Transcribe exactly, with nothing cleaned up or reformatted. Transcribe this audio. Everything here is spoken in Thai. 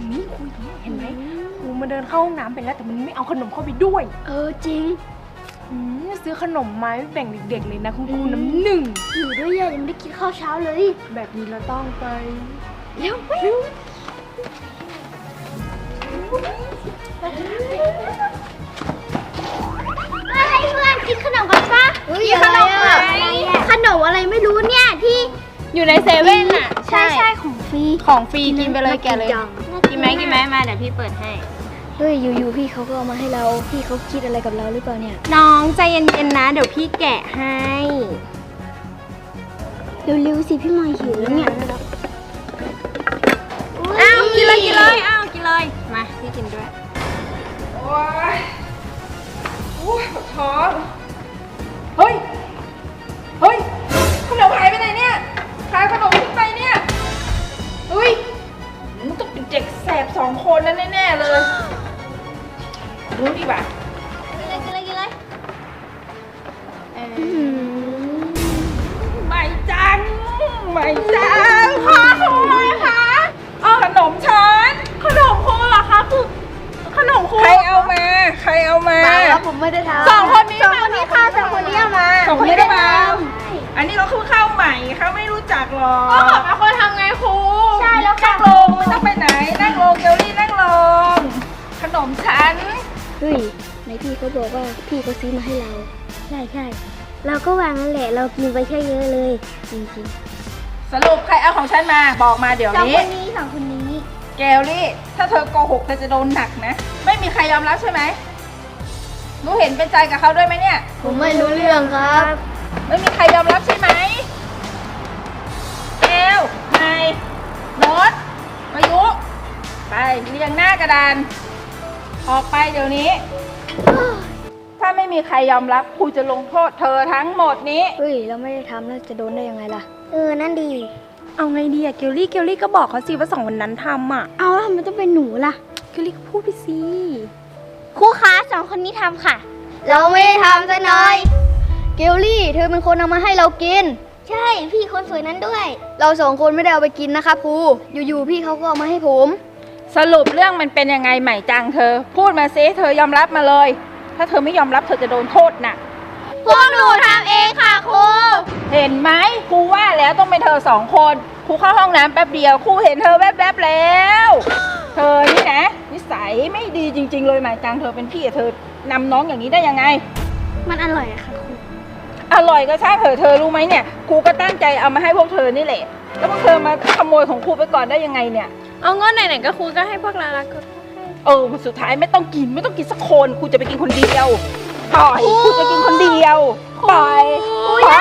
นี้ครูอยู่นี่เห็นไหมครูมาเดินเข้าห้องน้ำไปแล้วแต่มันไม่เอาขนมเข้าไปด้วยเออจริงซื้อขนมมาแบ่งเด็กๆเลยนะคุณครูน้ำหนึ่งอยู่ด้วยยังไม่ได้กินข้าวเช้าเลยแบบนี้เราต้องไปเร็วไปให้เพื่อนกินขนมกันปะกินขนมไหมขนมอะไรไม่รู้เนี่ยที่อยู่ในเซเว่นอ่ะใช่ใช่ของฟรีของฟรีกินไปเลยแกเลยกินไหมกินไหมมาเดี๋ยวพี่เปิดให้เฮ้ยอยู่ๆพี่เขาก็เอามาให้เราพี่เขาคิดอะไรกับเราหรือเปล่าเนี่ยน้องใจเย็นๆนะเดี๋ยวพี่แกะให้เร็วๆสิพี่มายหิวแล้วเนี่ยอ้าวกินเลยกินเลยอ้าวกินเลยมาพี่กินด้วยโอ้ยโอ้ยปวดท้องเฮ้ยเฮ้ยขนมหายไปไหนเนี่ยหายขนมทิ้งไปเนี่ยเฮ้ยมันต้องเป็นเด็กแสบสองคนนั่นแน่ๆเลยรู้ดีป่ะกินเลยกินเลยกินเลยไม่จังไม่จังค่ะครูคะเอาขนมฉันขนมครูเหรอคะคือขนมครูใครเอามาใครเอามาแล้วผมไม่ได้ทำสองคนนี้สองคนนี้ค่ะสองคนนี้เอามาสองคนนี้ได้มาอันนี้เราคือข้าวใหม่เขาไม่รู้จักหรอกก็บอกเป็นคนทำไงครูใช่แล้วนั่งลงไม่ต้องไปไหนนั่งลงเกลลี่นั่งลงขนมฉันเฮ้ยในพี่เขาบอกว่าพี่เขาซื้อมาให้เราใช่ใช่เราก็วางนั่นแหละเรากินไปแค่เยอะเลยจริงๆสรุปใครเอาของฉันมาบอกมาเดี๋ยวนี้สองคนนี้สองคนนี้เกลลี่ถ้าเธอโกหกเธอจะโดนหนักนะไม่มีใครยอมรับใช่ไหมรู้เห็นเป็นใจกับเขาด้วยไหมเนี่ยผมไม่รู้เรื่องครับไม่มีใครยอมรับใช่ไหมเกลนายโน้ตมายุไปเรียงหน้ากระดานออกไปเดี๋ยวนี้ถ้าไม่มีใครยอมรับครูจะลงโทษเธอทั้งหมดนี้เฮ้ยเราไม่ได้ทำแล้วจะโดนได้ยังไงล่ะเออนั่นดีเอาไงดีอะเกลลี่เกลลี่ก็บอกเขาสิว่าสองวันนั้นทำอะเอาแล้วทำไมต้องเป็นหนูล่ะเกลลี่ก็พูดไปสิครูคะสองคนนี้ทำค่ะเราไม่ได้ทำซะหน่อยเกลลี่เธอเป็นคนเอามาให้เรากินใช่พี่คนสวยนั้นด้วยเราสองคนไม่ได้เอาไปกินนะคะครูอยู่ๆพี่เขาก็เอามาให้ผมสรุปเรื่องมันเป็นยังไงใหม่จังเธอพูดมาซิเธอยอมรับมาเลยถ้าเธอไม่ยอมรับเธอจะโดนโทษหนักพวกหนูทำเองค่ะครูเห็นไหมครูว่าแล้วต้องเป็นเธอสองคนครูเข้าห้องน้ำแป๊บเดียวครูเห็นเธอแวบๆแล้วเธอนี่นะนิสัยไม่ดีจริงๆเลยใหม่จังเธอเป็นพี่เธอนำน้องอย่างนี้ได้ยังไงมันอร่อยอะค่ะครูอร่อยก็ช่างเถอะเธอรู้ไหมเนี่ยครูก็ตั้งใจเอามาให้พวกเธอนี่แหละแล้วพวกเธอมาขโมยของครูไปก่อนได้ยังไงเนี่ยเอาเงินไหนๆก็ครูก็ให้พวกเราละก็เออสุดท้ายไม่ต้องกินไม่ต้องกินสักคนครูจะไปกินคนเดียวปล่อยครูจะกินคนเดียวปล่อยปล่อย